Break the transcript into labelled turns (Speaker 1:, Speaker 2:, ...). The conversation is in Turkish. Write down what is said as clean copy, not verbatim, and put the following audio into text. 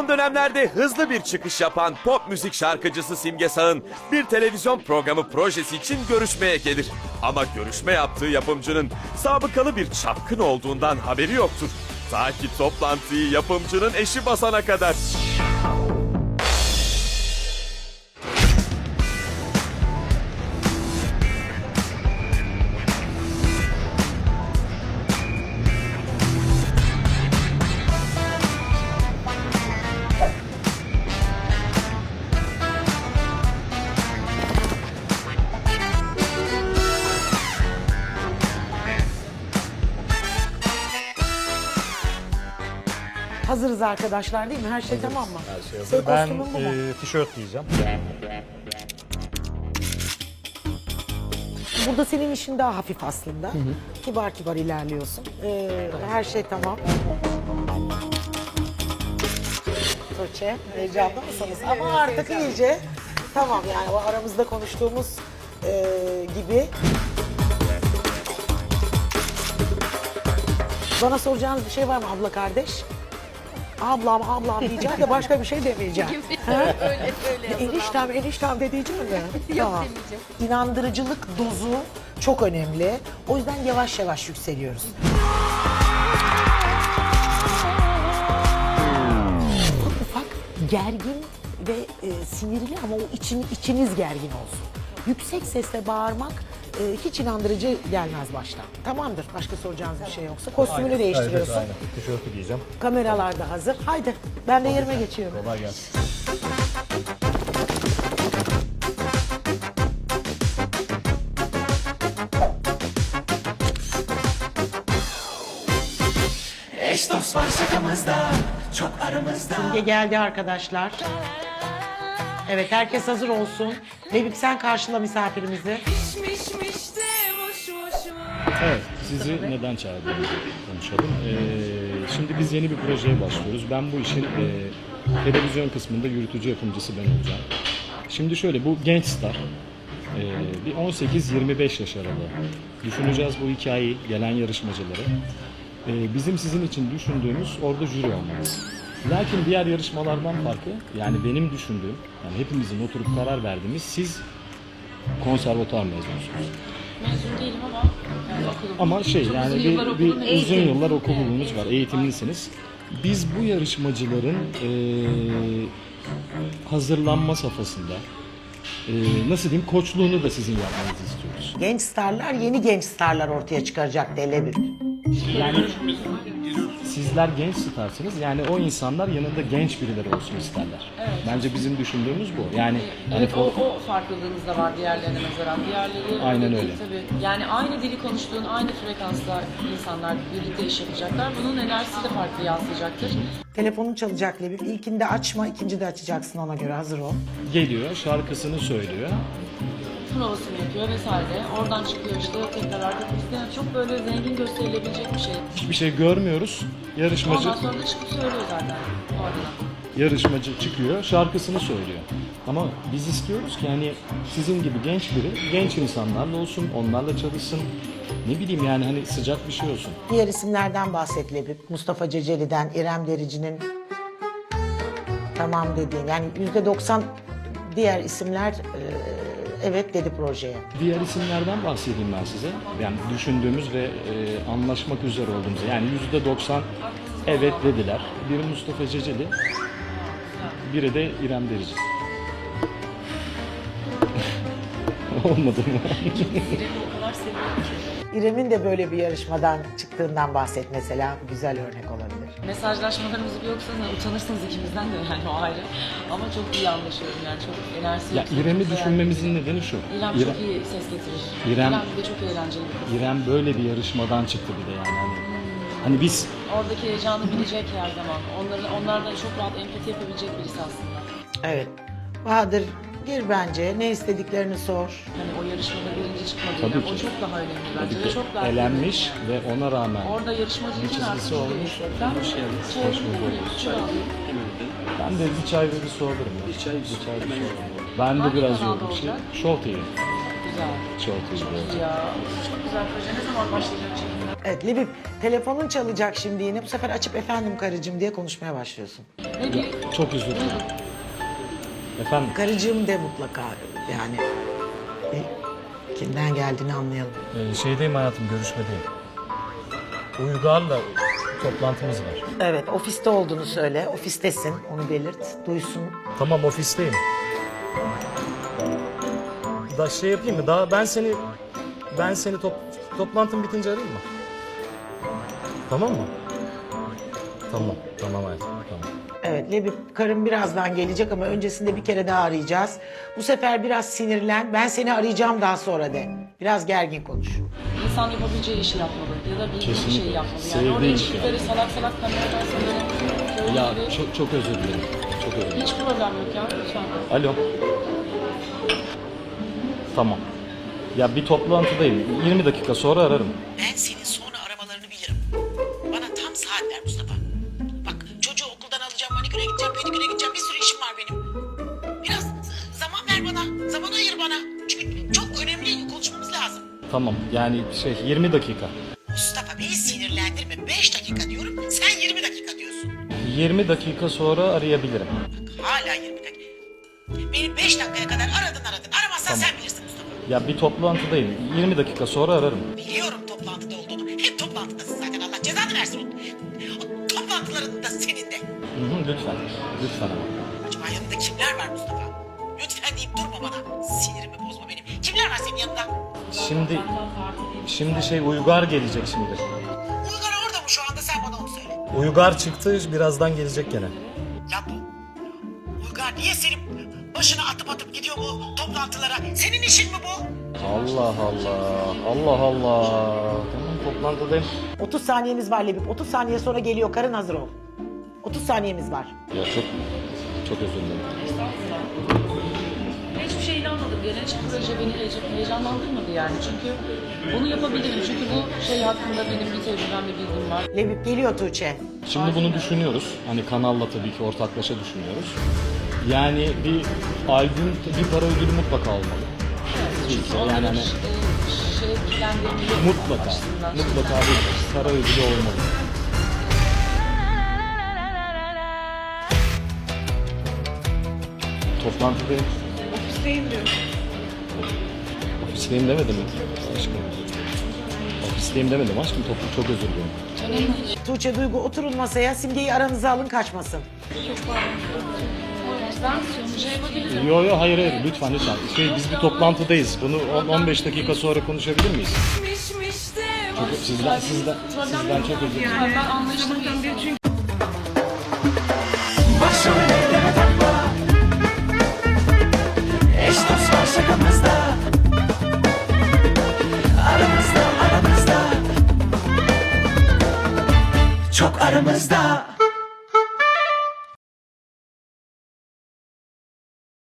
Speaker 1: dönemlerde hızlı bir çıkış yapan pop müzik şarkıcısı Simge Sağ'ın bir televizyon programı projesi için görüşmeye gelir. Ama görüşme yaptığı yapımcının sabıkalı bir çapkın olduğundan haberi yoktur. Ta ki toplantıyı yapımcının eşi basana kadar.
Speaker 2: Hazırız arkadaşlar değil mi? Her şey tamam mı?
Speaker 3: Her şey hazır.
Speaker 2: Senin
Speaker 3: Ben
Speaker 2: kostümün bu mu?
Speaker 3: tişört giyeceğim.
Speaker 2: Burada senin işin daha hafif aslında. Kibar kibar ilerliyorsun. Her şey tamam. Tuğçe, heyecanlı mısınız? Ama artık iyice tamam yani o aramızda konuştuğumuz gibi. Bana soracağınız bir şey var mı abla kardeş? Ablam diyeceğim de başka bir şey demeyeceğim. Eniştem de diyeceğim mi? Tamam. İnandırıcılık dozu çok önemli. O yüzden yavaş yavaş yükseliyoruz. Ufak gergin ve sinirli ama o içiniz gergin olsun. Yüksek sesle bağırmak hiç inandırıcı gelmez baştan. Tamamdır. Başka soracağınız bir şey yoksa. Kostümünü değiştiriyorsun.
Speaker 3: Evet, aynen. Tişörtü giyeceğim.
Speaker 2: Kameralar da hazır. Haydi ben de yerime geçiyorum.
Speaker 3: Kolay gelsin.
Speaker 4: Eş dost var şakamızda, çok aramızda.
Speaker 2: Simge geldi arkadaşlar. Evet herkes hazır olsun. Lebip sen karşıla misafirimizi.
Speaker 3: Evet, sizi neden çağırdığımızı konuşalım. Şimdi biz yeni bir projeye başlıyoruz. Ben bu işin televizyon kısmında yürütücü yapımcısı ben olacağım. Şimdi şöyle, bu genç star. Bir 18-25 yaş aralığı. Düşüneceğiz bu hikayeyi, gelen yarışmacıları. Bizim sizin için düşündüğümüz orada jüri olmanız. Lakin diğer yarışmalardan farkı, yani benim düşündüğüm, yani hepimizin oturup karar verdiğimiz, siz konservatuar mezunusunuz.
Speaker 5: Mezun değilim ama yani okulum.
Speaker 3: Ama şey
Speaker 5: Çok
Speaker 3: yani
Speaker 5: uzun yıllar okudum,
Speaker 3: bir uzun
Speaker 5: eğitim.
Speaker 3: yıllar okulunuz var, eğitimlisiniz. Biz bu yarışmacıların hazırlanma safhasında nasıl diyeyim koçluğunu da sizin yapmanızı istiyoruz.
Speaker 2: Genç starlar yeni genç starlar ortaya çıkaracak de Lebip.
Speaker 3: Yani sizler genç starsınız, yani o insanlar yanında genç birileri olsun isterler. Bence bizim düşündüğümüz bu. Yani
Speaker 5: Evet, o farklılığınız da var diğerlerine nazaran. Diğerleri
Speaker 3: Aynen
Speaker 5: değil
Speaker 3: öyle.
Speaker 5: Tabii. Yani aynı dili konuştuğun, aynı frekansla insanlar birlikte iş yapacaklar. Bunun enerjisi de farklı yansıyacaktır.
Speaker 2: Telefonun çalacak Lebip. İlkinde açma, ikincide açacaksın ona göre hazır ol.
Speaker 3: geliyor, şarkısını söylüyor.
Speaker 5: Provasını yapıyor vesaire. Oradan çıkıyor işte tekrar arka kuliste. Yani çok böyle zengin gösterilebilecek bir şey.
Speaker 3: Hiçbir şey görmüyoruz. Yarışmacı
Speaker 5: Ondan sonra da çıkıp söylüyor zaten oradan.
Speaker 3: yarışmacı çıkıyor, şarkısını söylüyor. Ama biz istiyoruz ki hani sizin gibi genç biri, genç insanlarla olsun, onlarla çalışsın. Ne bileyim yani hani sıcak bir şey olsun.
Speaker 2: Diğer isimlerden bahset Lebip. Mustafa Ceceli'den, İrem Derici'nin tamam dediğin. Yani %90 diğer isimler evet dedi projeye.
Speaker 3: Diğer isimlerden bahsedeyim ben size. Yani düşündüğümüz ve anlaşmak üzere olduğumuz. Yani %90 evet dediler. Biri Mustafa Ceceli, biri de İrem Derici. Olmadı mı?
Speaker 5: İrem'i o kadar seviyorum ki.
Speaker 2: İrem'in de böyle bir yarışmadan çıktığından bahset mesela. Güzel örnek olabilir.
Speaker 5: Mesajlaşmalarımızı bir yoksanız utanırsınız ikimizden de yani o ayrı. Ama çok iyi anlaşıyorum yani çok enerjisi
Speaker 3: Ya
Speaker 5: yüksek,
Speaker 3: İrem'i
Speaker 5: çok
Speaker 3: düşünmemizin nedeni şu.
Speaker 5: İrem çok iyi ses getirir.
Speaker 3: İrem-
Speaker 5: İrem de çok eğlenceli bir kız.
Speaker 3: İrem böyle bir yarışmadan çıktı bir de yani. Hani biz
Speaker 5: Oradaki heyecanı bilecek her zaman. Onlardan çok rahat empati yapabilecek birisi aslında.
Speaker 2: Evet. Bahadır gir bence. Ne istediklerini sor.
Speaker 5: Hani o yarışmada birinci çıkmadı
Speaker 3: Tabii
Speaker 5: İrem.
Speaker 3: ki.
Speaker 5: O çok daha önemli bence
Speaker 3: tabii
Speaker 5: ve
Speaker 3: ki
Speaker 5: çok daha
Speaker 3: elenmiş
Speaker 5: önemli.
Speaker 3: ve ona rağmen
Speaker 5: Orada yarışmacı
Speaker 3: bir
Speaker 5: için artık
Speaker 3: çizgisi olmuş.
Speaker 5: Ben
Speaker 3: Hoş geldiniz.
Speaker 5: çay
Speaker 3: Hoş bulduk.
Speaker 5: çay alayım.
Speaker 3: Ben de bir çay ve bir su alırım. Ya. Bir çay bir su alırım. Ben de
Speaker 5: Hangi
Speaker 3: biraz
Speaker 5: kanalda
Speaker 3: yoğun bir şey.
Speaker 5: olacak?
Speaker 3: Show TV.
Speaker 5: Güzel.
Speaker 3: Show TV.
Speaker 5: Ya çok güzel proje. Ne zaman başlayacak çekimler?
Speaker 2: Evet Lebip telefonun çalacak şimdi yine. Bu sefer açıp efendim karıcığım diye konuşmaya başlıyorsun.
Speaker 5: Ne diyeyim?
Speaker 3: Çok özür dilerim. Efendim,
Speaker 2: Karıcığım de mutlaka yani. Kimden geldiğini anlayalım.
Speaker 3: şeydeyim hayatım, görüşmedeyim. Uygar'la toplantımız var.
Speaker 2: Evet, ofiste olduğunu söyle. Ofistesin, onu belirt. Duysun.
Speaker 3: Tamam, ofisteyim. Da şey yapayım mı? Daha ben seni toplantın bitince arayayım mı? Tamam mı? Tamam hayatım. Tamam.
Speaker 2: Evet, Lebip karım birazdan gelecek ama öncesinde bir kere daha arayacağız. Bu sefer biraz sinirlen. Ben seni arayacağım daha sonra de. Biraz gergin konuş.
Speaker 5: İnsan yapabileceği işi yapmalı ya da bildiği bir
Speaker 3: Kesinlikle.
Speaker 5: şey yapmalı. Yani
Speaker 3: Sevdiği
Speaker 5: oraya
Speaker 3: işi
Speaker 5: çıkıp
Speaker 3: yani.
Speaker 5: böyle salak salak kameradan böyle
Speaker 3: Ya
Speaker 5: böyle
Speaker 3: çok özür dilerim. Çok özür dilerim.
Speaker 5: hiç problem yok ya lütfen.
Speaker 3: Alo. Tamam. Ya bir toplantıdayım. 20 dakika sonra ararım.
Speaker 2: Ben senin sonra aramalarını bilirim. Bana tam saat ver Mustafa. Bak çocuğu okuldan alacağım, maniküre gideceğim, pediküre gideceğim. Bir sürü işim var benim. Biraz zaman ver bana, zaman ayır bana. Çünkü çok önemli konuşmamız lazım.
Speaker 3: Tamam. Yani 20 dakika.
Speaker 2: Mustafa beni sinirlendirme. 5 dakika diyorum, sen 20 dakika diyorsun.
Speaker 3: 20 dakika sonra arayabilirim.
Speaker 2: Hala 20 dakika. Beni 5 dakikaya kadar aradın. Aramazsan sen bilirsin Mustafa.
Speaker 3: Ya bir toplantıdayım. 20 dakika sonra ararım.
Speaker 2: Biliyorum toplantıda olduğunu. Hep toplantıdasın zaten, Allah cezanı versin. O toplantıların da senin de.
Speaker 3: Lütfen. Lütfen ama.
Speaker 2: Acaba yanında kimler var Mustafa? Lütfen deyip durma bana. Sinirimi bozma benim. Kimler var senin yanında?
Speaker 3: Şimdi Uygar gelecek şimdi.
Speaker 2: Uygar orada mı şu anda, sen bana onu söyle.
Speaker 3: Uygar çıktı, birazdan gelecek gene.
Speaker 2: Ya bu Uygar niye senin başına atıp gidiyor bu toplantılara? Senin işin mi bu?
Speaker 3: Allah Allah. Allah Allah. Tamam, toplantıdayım.
Speaker 2: 30 saniyemiz var Lebip. 30 saniye sonra geliyor. Karın hazır ol. 30 saniyemiz var.
Speaker 3: Ya çok özür dilerim.
Speaker 5: Hiçbir şey inanmadım. Gelen hiçbir proje beni heyecanlandırmadı yani. Çünkü bunu yapabilirim. Çünkü bu şey hakkında benim bir tecrübem ve bilgim var.
Speaker 2: Lebip geliyor Tuğçe.
Speaker 3: Şimdi bunu düşünüyoruz. Hani kanalla tabii ki ortaklaşa düşünüyoruz. Yani bir albüm, bir para ödülü mutlaka olmalı.
Speaker 5: Çünkü
Speaker 3: Yani
Speaker 5: onların
Speaker 3: hani
Speaker 5: şevklendirmeyi yok
Speaker 3: mutlaka bir para ödülü olmalı. Toplantıdayım.
Speaker 5: Ofisteyim diyor.
Speaker 3: Ofisteyim demedim mi? Aşkım. Ofisteyim demedim aşkım. Çok özür dilerim.
Speaker 5: Önemli değil.
Speaker 2: Tuğçe, Duygu oturun masaya. Simge'yi aranıza alın, kaçmasın.
Speaker 5: Ben sonuca yapabilirim.
Speaker 3: Yo hayır lütfen. Biz bir toplantıdayız. Bunu 15 dakika sonra konuşabilir miyiz? Sizden çok özür dilerim.
Speaker 5: Ben anlaştım çünkü.
Speaker 4: Başrol elleme takma. Eş dost var şakamızda. Aramızda. Çok aramızda.